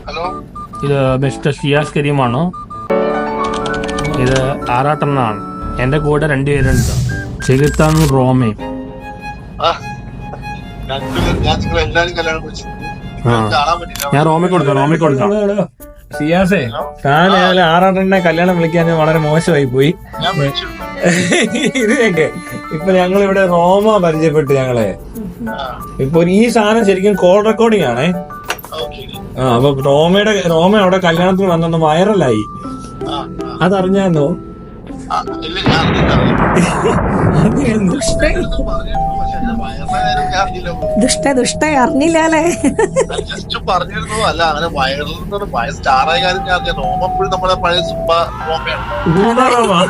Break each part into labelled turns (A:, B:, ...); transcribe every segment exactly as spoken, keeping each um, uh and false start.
A: Hello,
B: ഇത് mister Shiyas കരീമാണോ? ഇത് ആറാട്ടെണ്ണാണ്. എൻ്റെ കൂടെ രണ്ടുപേരുണ്ട്, ചെകുത്താനും റോമയും. ഞാൻ റോമയ്ക്ക് കൊടുക്കാം റോമയ്ക്ക് കൊടുക്കാം
C: സിയാസേ, താൻ ആറാട്ടെണ്ണെ കല്യാണം വിളിക്കാൻ വളരെ മോശമായി പോയി. ഇതിനൊക്കെ ഇപ്പൊ ഞങ്ങൾ ഇവിടെ റോമ പരിചയപ്പെട്ടു ഞങ്ങളെ. ഇപ്പൊ ഈ സാധനം ശരിക്കും കോൾ റെക്കോർഡിംഗ് ആണേ. ആ അപ്പൊ റോമയുടെ റോമ അവിടെ കല്യാണത്തിന് വന്നൊന്ന് വൈറലായി. അതറിഞ്ഞാന്നോ?
D: ദുഷ്ട ദുഷ്ട അറിഞ്ഞില്ലേ?
A: ജസ്റ്റ് പറഞ്ഞിരുന്നു. അല്ല, അങ്ങനെ വൈറൽ ഭയ സ്റ്റാറായ കാര്യം ഞാൻ അറിയാം. റോമപ്പോഴും നമ്മളെ പഴയ സുപ്പ റോമയാണ്.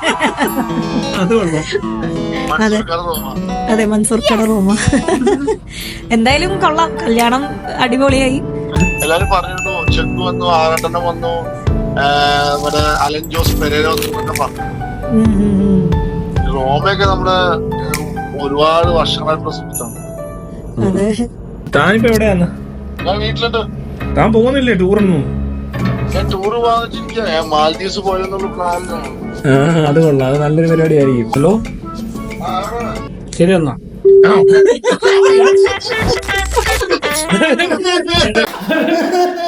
D: അതെ അതെ, മൻസൂർ കട റോമ. എന്തായാലും കൊള്ളാം, കല്യാണം അടിപൊളിയായി.
A: എല്ലാരും പറഞ്ഞിരുന്നു ചെക്ക് വന്നു, ആറാട്ടെണ്ണം വന്നു, മറ്റേ അലൻ ജോസ് പെരേര വന്നു പറഞ്ഞു. റോമയൊക്കെ നമ്മള് ഒരുപാട് വർഷങ്ങളായിട്ടുള്ള സുഹൃത്താണ്.
C: താനിപ്പോ എവിടെയാന്ന്?
A: ഞാൻ വീട്ടിലുണ്ട്.
C: താൻ പോകുന്നില്ലേ ടൂറൊന്നും?
A: ഞാൻ ടൂറ് വാങ്ങിച്ചിരിക്കുക. ഞാൻ മാൽദീവ്സ് പോയെന്നുള്ള പ്ലാനിലാണ്.
C: ആ അത് കൊള്ളാം, അത് നല്ലൊരു പരിപാടി ആയിരിക്കും. ഹലോ,
B: ശരി എന്നാ.
A: ആ